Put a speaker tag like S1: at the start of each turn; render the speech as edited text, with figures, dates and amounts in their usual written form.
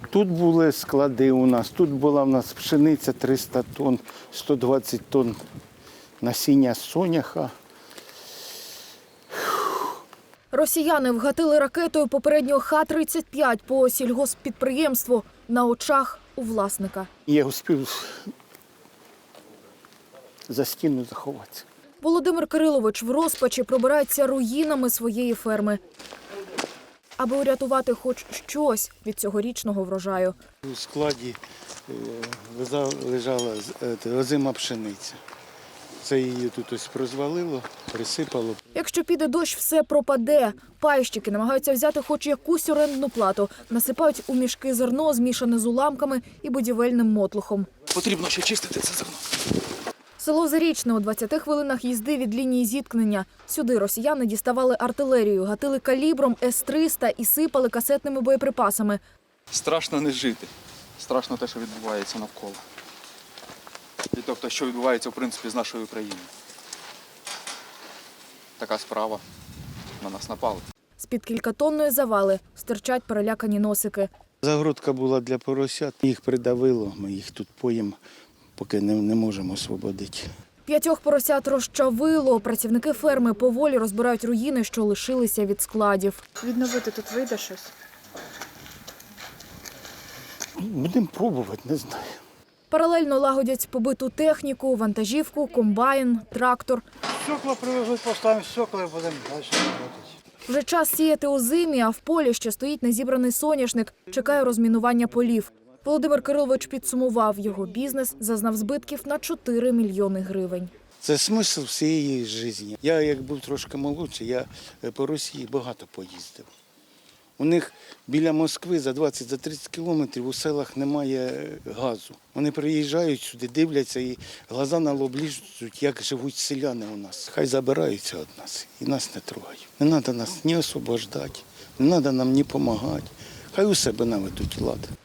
S1: Тут були склади у нас, тут була в нас пшениця 300 тонн, 120 тонн насіння соняха.
S2: Росіяни вгатили ракетою попередньо Х-35 по сільгосппідприємству на очах у власника.
S1: Я успів за стіну заховатися.
S2: Володимир Кирилович в розпачі пробирається руїнами своєї ферми, аби урятувати хоч щось від цьогорічного врожаю.
S1: У складі лежала озима пшениця. Це її тут ось розвалило, присипало.
S2: Якщо піде дощ, все пропаде. Пайщики намагаються взяти хоч якусь орендну плату. Насипають у мішки зерно, змішане з уламками і будівельним мотлухом.
S3: Потрібно ще чистити це зерно.
S2: Село Зарічне у 20 хвилинах їзди від лінії зіткнення. Сюди росіяни діставали артилерію, гатили калібром С-300 і сипали касетними боєприпасами.
S3: Страшно не жити. Страшно те, що відбувається навколо. І тобто, що відбувається, в принципі, з нашою країною. Така справа. На нас напали.
S2: З-під кількатонної завали стирчать перелякані носики.
S1: Загородка була для поросят, їх придавило, ми їх тут поїмо, поки не можемо освободити.
S2: 5 поросят розчавило. Працівники ферми поволі розбирають руїни, що лишилися від складів.
S4: Відновити тут вийде щось?
S1: Будемо пробувати, не знаю.
S2: Паралельно лагодять побиту техніку, вантажівку, комбайн, трактор.
S5: Стекла привезуть, поставимо стекла і будемо далі працювати.
S2: Вже час сіяти озимі, а в полі ще стоїть незібраний соняшник. Чекає розмінування полів. Володимир Кирилович підсумував, його бізнес зазнав збитків на 4 мільйони гривень.
S1: Це смисл всієї життя. Я, як був трошки молодший, я по Росії багато поїздив. У них біля Москви за 20-30 кілометрів у селах немає газу. Вони приїжджають сюди, дивляться і глаза на лоб лізуть, як живуть селяни у нас. Хай забираються від нас і нас не трогають. Не треба нас ні освобождати, не треба нам ні допомагати. Хай у себе наведуть лад.